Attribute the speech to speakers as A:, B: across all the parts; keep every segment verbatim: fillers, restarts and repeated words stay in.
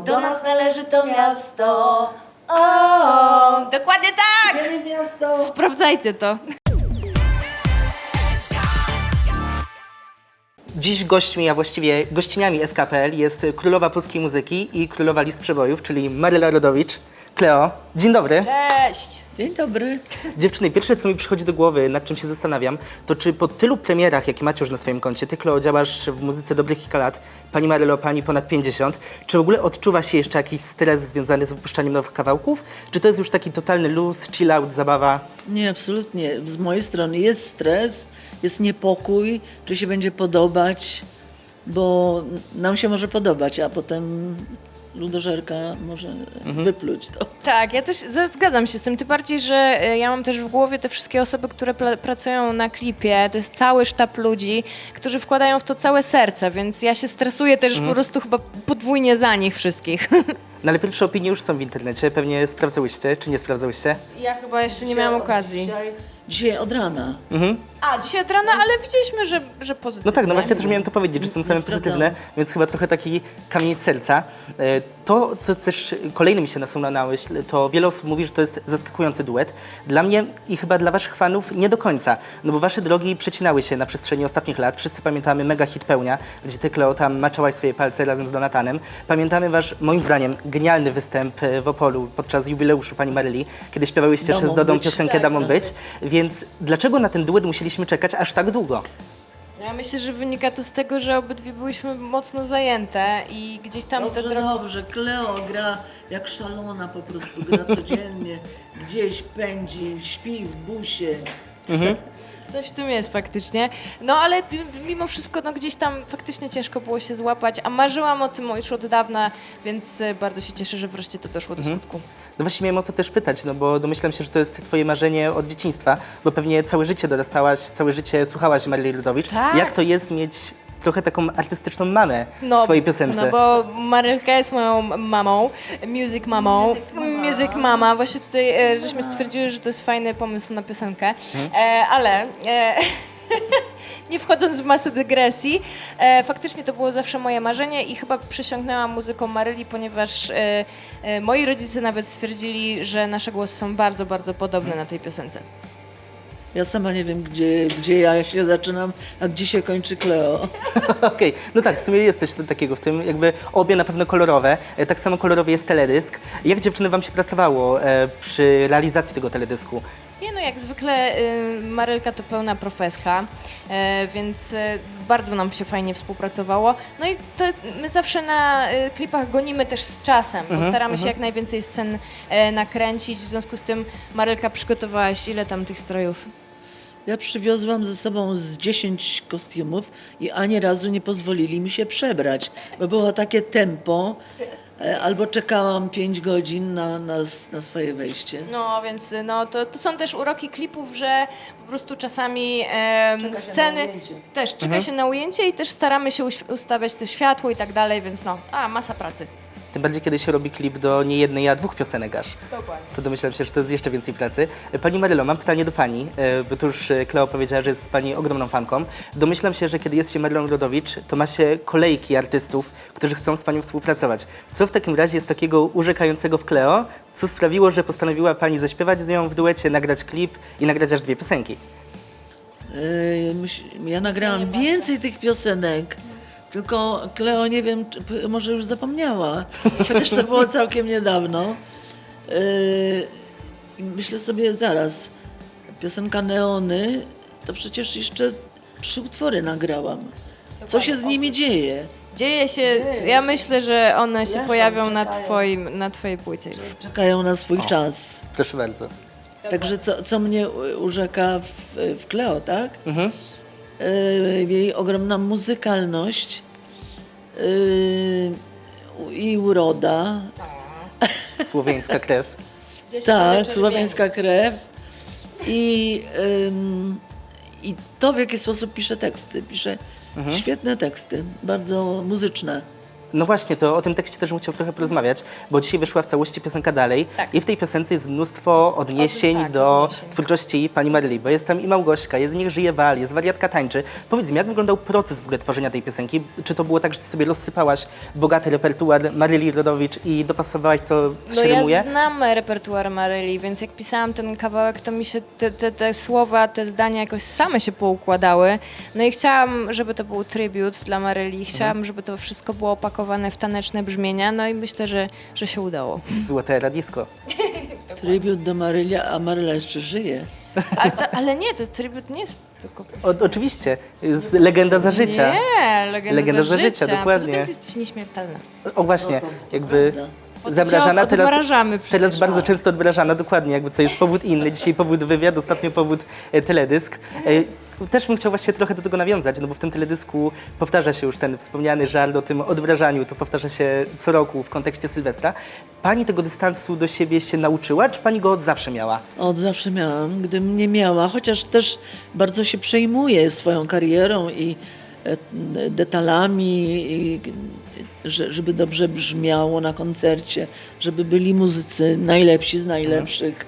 A: bo do nas należy to miasto. O,
B: Dokładnie tak!
A: wiemy miasto.
B: Sprawdzajcie to.
C: Dziś gośćmi, a właściwie gościniami S K P L jest królowa polskiej muzyki i królowa list przebojów, czyli Maryla Rodowicz. Kleo, dzień dobry.
B: Cześć!
A: Dzień dobry.
C: Dziewczyny, pierwsze co mi przychodzi do głowy, nad czym się zastanawiam, to czy po tylu premierach, jakie macie już na swoim koncie, ty Kleo działasz w muzyce dobrych kilka lat, pani Marylo, pani ponad pięćdziesiąt, czy w ogóle odczuwa się jeszcze jakiś stres związany z wypuszczaniem nowych kawałków? Czy to jest już taki totalny luz, chill out, zabawa?
A: Nie, absolutnie. Z mojej strony jest stres, jest niepokój, czy się będzie podobać, bo nam się może podobać, a potem ludożerka może wypluć to.
B: Tak, ja też z- zgadzam się z tym, tym bardziej, że e, ja mam też w głowie te wszystkie osoby, które pla- pracują na klipie, to jest cały sztab ludzi, którzy wkładają w to całe serce, więc ja się stresuję też po prostu chyba podwójnie za nich wszystkich.
C: No ale pierwsze opinie już są w internecie, pewnie sprawdzałyście, czy nie sprawdzałyście?
B: Ja chyba jeszcze nie miałam okazji.
A: Dzisiaj, dzisiaj od rana.
B: A, dzisiaj od rana, ale widzieliśmy, że, że pozytywnie.
C: No tak, no właśnie też miałem to powiedzieć, że są same
A: Nie sprawdzałam.
C: pozytywne, więc chyba trochę taki kamień z serca. E, To, co też kolejny mi się nasunęło na myśl, to wiele osób mówi, że to jest zaskakujący duet. Dla mnie i chyba dla waszych fanów nie do końca, no bo wasze drogi przecinały się na przestrzeni ostatnich lat. Wszyscy pamiętamy mega hit Pełnia, gdzie ty, Kleo, tam maczałaś swoje palce razem z Donatanem. Pamiętamy wasz, moim zdaniem, genialny występ e, w Opolu podczas jubileuszu pani Maryli, kiedy śpiewałyście
A: Damą
C: przez Dodą
A: być.
C: piosenkę
B: Tak,
C: Damą
B: tak.
C: być. Więc dlaczego na ten duet musieliśmy czekać aż tak długo?
B: Ja myślę, że wynika to z tego, że obydwie byłyśmy mocno zajęte i gdzieś tam te
A: Dobrze,
B: drogi...
A: dobrze. Kleo gra jak szalona po prostu, gra codziennie, gdzieś pędzi, śpi w busie.
B: Coś w tym jest faktycznie. No ale m- mimo wszystko no, gdzieś tam faktycznie ciężko było się złapać, a marzyłam o tym już od dawna, więc e, bardzo się cieszę, że wreszcie to doszło do skutku.
C: No właśnie miałem o to też pytać, no bo domyślam się, że to jest twoje marzenie od dzieciństwa, bo pewnie całe życie dorastałaś, całe życie słuchałaś Maryli Rodowicz.
B: Tak.
C: Jak to jest mieć trochę taką artystyczną mamę w swojej piosence?
B: No bo Marylka jest moją mamą, music mamą, music mama. Właśnie tutaj e, żeśmy stwierdziły, że to jest fajny pomysł na piosenkę, e, ale... E, Nie wchodząc w masę dygresji, e, faktycznie to było zawsze moje marzenie i chyba przysiągnęłam muzyką Maryli, ponieważ e, e, moi rodzice nawet stwierdzili, że nasze głosy są bardzo, bardzo podobne na tej piosence.
A: Ja sama nie wiem, gdzie, gdzie ja się zaczynam, a gdzie się kończy Kleo.
C: Okej, no tak, w sumie jest coś takiego w tym, jakby obie na pewno kolorowe, e, tak samo kolorowy jest teledysk. Jak dziewczyny wam się pracowało e, przy realizacji tego teledysku?
B: Nie no, jak zwykle y, Marylka to pełna profeska, e, więc e, bardzo nam się fajnie współpracowało. No i to my zawsze na y, klipach gonimy też z czasem, bo staramy się jak najwięcej scen e, nakręcić, w związku z tym Marylka przygotowałaś ile tam tych strojów?
A: Ja przywiozłam ze sobą z dziesięć kostiumów i ani razu nie pozwolili mi się przebrać, bo było takie tempo, e, albo czekałam pięć godzin na, na, na swoje wejście.
B: No więc y, no, to, to są też uroki klipów, że po prostu czasami em,
A: Czeka się
B: sceny
A: na ujęcie.
B: też czeka się na ujęcie i też staramy się uś- ustawiać to światło i tak dalej, więc no, a masa pracy.
C: Tym bardziej, kiedy się robi klip do nie jednej, a dwóch piosenek aż.
B: Dokładnie.
C: To domyślam się, że to jest jeszcze więcej pracy. E, Pani Marylo, mam pytanie do pani, e, bo tu już e, Kleo powiedziała, że jest pani ogromną fanką. Domyślam się, że kiedy jest się Marylą Rodowicz, to ma się kolejki artystów, którzy chcą z panią współpracować. Co w takim razie jest takiego urzekającego w Kleo, co sprawiło, że postanowiła pani zaśpiewać z nią w duecie, nagrać klip i nagrać aż dwie piosenki?
A: E, myś- Ja nagrałam więcej tych piosenek, tylko Kleo nie wiem, czy, p- może już zapomniała, chociaż to było całkiem niedawno. E, Myślę sobie zaraz, piosenka Neony, to przecież jeszcze trzy utwory nagrałam. Co się z nimi dzieje?
B: Dzieje się, ja myślę, że one się pojawią na, twoim, na twojej płycie już.
A: Czekają na swój czas.
C: Proszę bardzo.
A: Także co, co mnie u- urzeka w, w Kleo, tak?
C: Mhm.
A: Y, jej ogromna muzykalność y, i uroda.
C: Słowiańska krew.
A: Tak, słowiańska krew. I, ym, I to, w jaki sposób pisze teksty. Pisze świetne teksty, bardzo muzyczne.
C: No właśnie, to o tym tekście też bym chciał trochę porozmawiać, bo dzisiaj wyszła w całości piosenka Dalej
B: Tak.
C: i w tej piosence jest mnóstwo odniesień
B: tak,
C: do
B: odniesień.
C: twórczości pani Maryli, bo jest tam i Małgośka, jest Niech żyje Wal, jest Wariatka tańczy. Powiedz mi, jak wyglądał proces w ogóle tworzenia tej piosenki? Czy to było tak, że ty sobie rozsypałaś bogaty repertuar Maryli Rodowicz i dopasowałaś, co, co
B: No
C: się
B: ja
C: rymuje?
B: znam repertuar Maryli, więc jak pisałam ten kawałek, to mi się te, te, te słowa, te zdania jakoś same się poukładały. No i chciałam, żeby to był tribut dla Maryli, chciałam,
C: Mhm.
B: żeby to wszystko było opakowane w taneczne brzmienia, no i myślę, że, że się udało.
C: Złote radisko.
A: Tribut do Marylia, a Maryla jeszcze żyje.
B: Ale, to, ale nie, to tribut nie jest tylko...
C: O, oczywiście, z Legenda za życia.
B: Nie, legenda,
C: Legenda
B: za,
C: za życia,
B: życia.
C: dokładnie.
B: Poza tym ty jesteś nieśmiertelna.
C: O właśnie,
A: No to- to
C: jakby
A: prawda.
B: Potem
C: zamrażana,
B: cię
C: teraz,
B: odmrażamy przecież.
C: teraz bardzo często odmrażana, dokładnie, jakby to jest powód inny. Dzisiaj powód wywiad, ostatnio powód e, teledysk. E, Też bym chciał właśnie trochę do tego nawiązać, no bo w tym teledysku powtarza się już ten wspomniany żart o tym odmrażaniu, to powtarza się co roku w kontekście Sylwestra. Pani tego dystansu do siebie się nauczyła, czy pani go od zawsze miała?
A: Od zawsze miałam, gdybym nie miała, chociaż też bardzo się przejmuję swoją karierą i e, detalami, i, że, żeby dobrze brzmiało na koncercie, żeby byli muzycy najlepsi z najlepszych.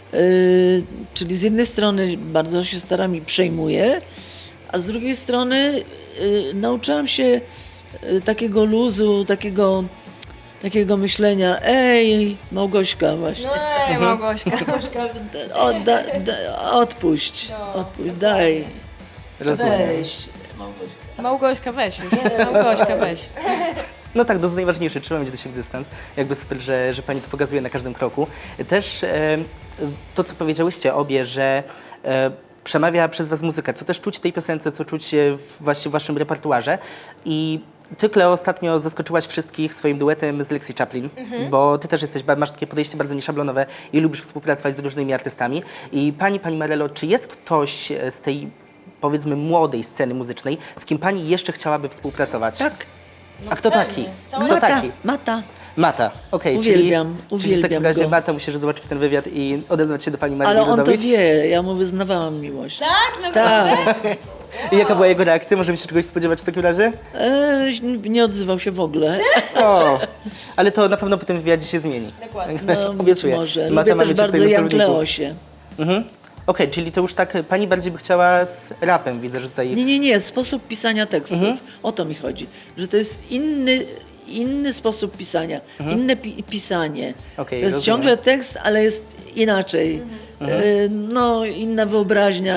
A: Y, czyli z jednej strony bardzo się staram i przejmuję, a z drugiej strony y, nauczyłam się y, takiego luzu, takiego, takiego myślenia, ej, Małgośka właśnie.
B: No ej, Małgośka.
A: Małgośka, odda, da, odpuść, odpuść, daj,
C: Rozumiem.
A: weź.
B: Małgośka, weź już. Małgośka, weź.
C: No tak, to jest najważniejsze, trzeba mieć do siebie dystans. Jakby super, że, że pani to pokazuje na każdym kroku. Też e, to, co powiedziałyście obie, że e, przemawia przez was muzyka, co też czuć w tej piosence, co czuć e, w, właśnie w waszym repertuarze. I ty, Kleo, ostatnio zaskoczyłaś wszystkich swoim duetem z Lexi Chaplin, bo ty też jesteś, masz takie podejście bardzo nieszablonowe i lubisz współpracować z różnymi artystami. I pani, pani Marelo, czy jest ktoś z tej, powiedzmy, młodej sceny muzycznej, z kim pani jeszcze chciałaby współpracować?
A: Tak,
C: A kto taki? Kto
A: Mata,
C: taki?
A: Mata.
C: Mata, okej.
A: Uwielbiam,
C: czyli, czyli w
A: uwielbiam
C: takim razie
A: go.
C: Mata musisz zobaczyć ten wywiad i odezwać się do pani Marii
A: Ale on to
C: Rodowicz.
A: wie, ja mu wyznawałam miłość.
B: Tak, naprawdę?
A: Tak,
C: I jaka była jego reakcja? Możemy się czegoś spodziewać w takim razie?
A: e, nie odzywał się w ogóle.
C: O, ale to na pewno po tym wywiadzie się zmieni.
B: Dokładnie.
A: No, być
C: Obiecuję.
A: może.
C: Mata
A: Lubię
C: ma
A: też
C: być
A: bardzo
C: tutaj na
A: Jan
C: celowniku.
A: Kleosie.
C: Mhm. Okej, czyli to już tak, pani bardziej by chciała z rapem, widzę, że tutaj...
A: Nie, nie, nie, sposób pisania tekstów.
C: Mhm.
A: O to mi chodzi. Że to jest inny, inny sposób pisania, inne pi pisanie.
C: Mhm. Okej,
A: to jest
C: rozumiem.
A: ciągle tekst, ale jest inaczej.
C: Mhm.
A: E, no, inna wyobraźnia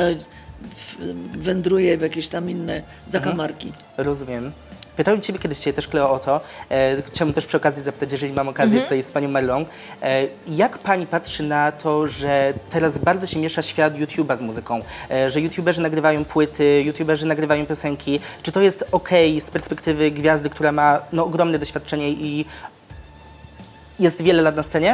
A: w, wędruje w jakieś tam inne zakamarki.
C: Rozumiem. Pytałem Ciebie kiedyś dzisiaj też, Kleo, o to. E, chciałbym też przy okazji zapytać, jeżeli mam okazję tutaj z Panią Marlą. E, jak Pani patrzy na to, że teraz bardzo się miesza świat YouTube'a z muzyką? E, że YouTuberzy nagrywają płyty, YouTuberzy nagrywają piosenki. Czy to jest okej z perspektywy gwiazdy, która ma no, ogromne doświadczenie i jest wiele lat na scenie?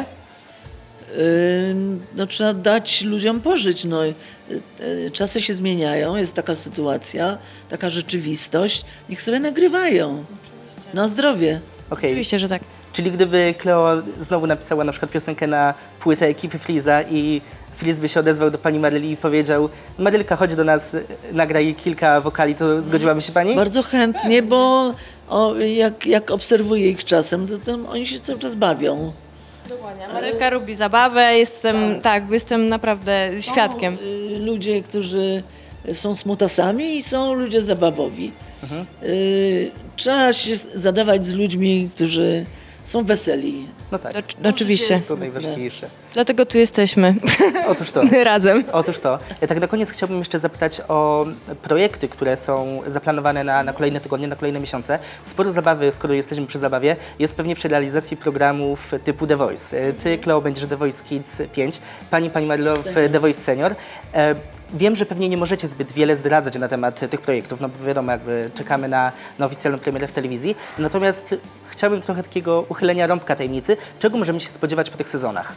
A: Ym, No, trzeba dać ludziom pożyć. No, Y, y, czasy się zmieniają, jest taka sytuacja, taka rzeczywistość. Niech sobie nagrywają. Na zdrowie.
C: Okej.
B: Oczywiście, że tak.
C: Czyli gdyby Kleo znowu napisała na przykład piosenkę na płytę ekipy Fliza i Fliz by się odezwał do pani Maryli i powiedział: Marylka, chodź do nas, nagraj kilka wokali, to zgodziłaby się pani?
A: Bardzo chętnie, bo o, jak, jak obserwuję ich czasem, to tam oni się cały czas bawią.
B: Dokładnie. Marylka lubi zabawę, jestem, tak, jestem naprawdę świadkiem.
A: Są, y, ludzie, którzy są smutasami i są ludzie zabawowi. Y, trzeba się zadawać z ludźmi, którzy są weseli.
C: No tak,
B: Oczy- Oczywiście.
C: to najważniejsze.
B: Dlatego tu jesteśmy
C: Otóż to.
B: razem.
C: Otóż to. Ja tak na koniec chciałbym jeszcze zapytać o projekty, które są zaplanowane na, na kolejne tygodnie, na kolejne miesiące. Sporo zabawy, skoro jesteśmy przy zabawie, jest pewnie przy realizacji programów typu The Voice. Ty, Kleo, będziesz The Voice Kids pięć, pani, pani Marlo w The Voice Senior. E, Wiem, że pewnie nie możecie zbyt wiele zdradzać na temat tych projektów, no bo wiadomo, jakby czekamy na, na oficjalną premierę w telewizji. Natomiast chciałbym trochę takiego uchylenia rąbka tajemnicy. Czego możemy się spodziewać po tych sezonach?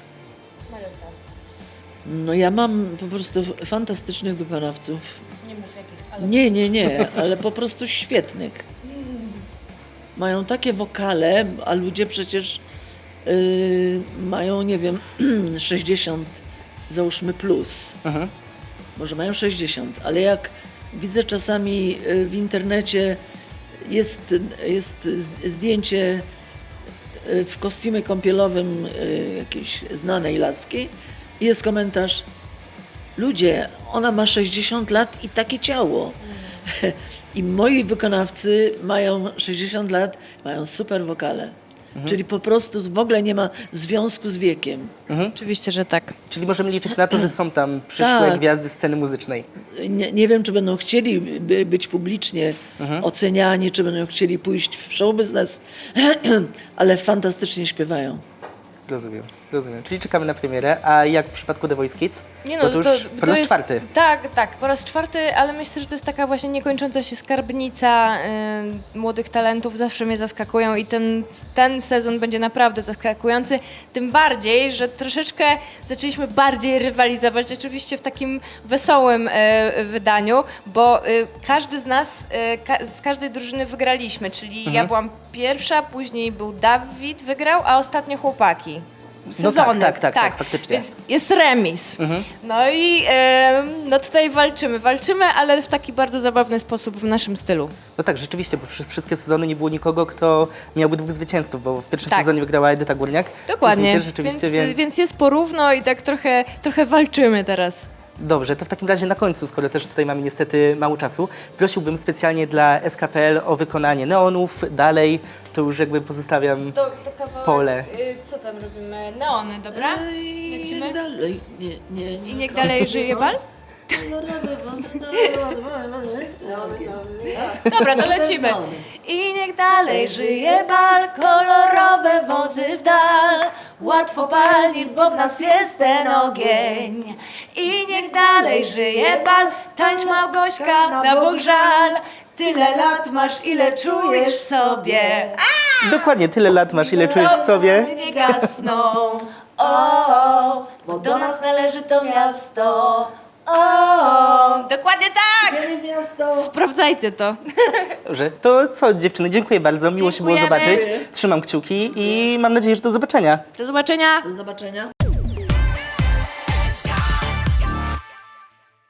A: No ja mam po prostu fantastycznych wykonawców.
B: Nie mów jakich, ale...
A: Nie, nie, nie, ale po prostu świetnych. Mają takie wokale, a ludzie przecież y, mają, nie wiem, sześćdziesiąt, załóżmy plus.
C: Mhm.
A: Może mają sześćdziesiąt, ale jak widzę czasami y, w internecie jest, jest z- zdjęcie y, w kostiumie kąpielowym y, jakiejś znanej laski i jest komentarz: ludzie, ona ma sześćdziesiąt lat i takie ciało. I moi wykonawcy mają sześćdziesiąt lat, mają super wokale. Czyli po prostu w ogóle nie ma związku z wiekiem.
B: Oczywiście, że tak.
C: Czyli możemy liczyć na to, że są tam przyszłe
A: Tak.
C: gwiazdy sceny muzycznej.
A: Nie, nie wiem, czy będą chcieli by, być publicznie oceniani, czy będą chcieli pójść w show business, ale fantastycznie śpiewają.
C: Rozumiem, rozumiem. Czyli czekamy na premierę. A jak w przypadku The Voice Kids?
B: Nie no,
C: Bo to już po raz
B: jest,
C: czwarty.
B: Tak, tak, po raz czwarty, ale myślę, że to jest taka właśnie niekończąca się skarbnica y, młodych talentów. Zawsze mnie zaskakują i ten, ten sezon będzie naprawdę zaskakujący. Tym bardziej, że troszeczkę zaczęliśmy bardziej rywalizować, oczywiście w takim wesołym y, wydaniu, bo y, każdy z nas, y, ka z każdej drużyny wygraliśmy, czyli
C: Mhm.
B: ja byłam pierwsza, później był Dawid, wygrał, a ostatnio chłopaki.
C: No tak,
B: Sezony.
C: tak, tak, tak, faktycznie.
B: Więc jest remis. No i e, no tutaj walczymy, walczymy, ale w taki bardzo zabawny sposób w naszym stylu.
C: No tak, rzeczywiście, bo przez wszystkie sezony nie było nikogo, kto miałby dwóch zwycięzców, bo w pierwszym
B: Tak.
C: sezonie wygrała Edyta Górniak.
B: Dokładnie.
C: Później też rzeczywiście,
B: więc,
C: więc...
B: więc jest porówno i tak trochę, trochę walczymy teraz.
C: Dobrze, to w takim razie na końcu, skoro też tutaj mamy niestety mało czasu, prosiłbym specjalnie dla S K P L o wykonanie neonów. Dalej to już jakby pozostawiam
B: To, to kawałek,
C: pole.
B: y, co tam robimy? Neony, dobra?
A: I
B: Lecimy?
A: niech dalej. Nie, nie, nie.
B: I niech dalej żyje bal? Dobra, to lecimy. I niech dalej żyje bal, kolorowe wozy w dal. Łatwo palnik, bo w nas jest ten ogień. I niech dalej żyje bal, tańcz Małgośka, na Bóg żal. Tyle lat masz, ile czujesz w sobie.
C: Dokładnie tyle lat masz, ile czujesz w sobie.
B: Ognie nie gasną, o, bo do nas należy to miasto. O, dokładnie tak! Sprawdzajcie to.
C: Dobrze, to co dziewczyny, dziękuję bardzo, miło się było
B: Dziękujemy.
C: zobaczyć. Trzymam kciuki i mam nadzieję, że do zobaczenia.
B: Do zobaczenia.
A: Do zobaczenia.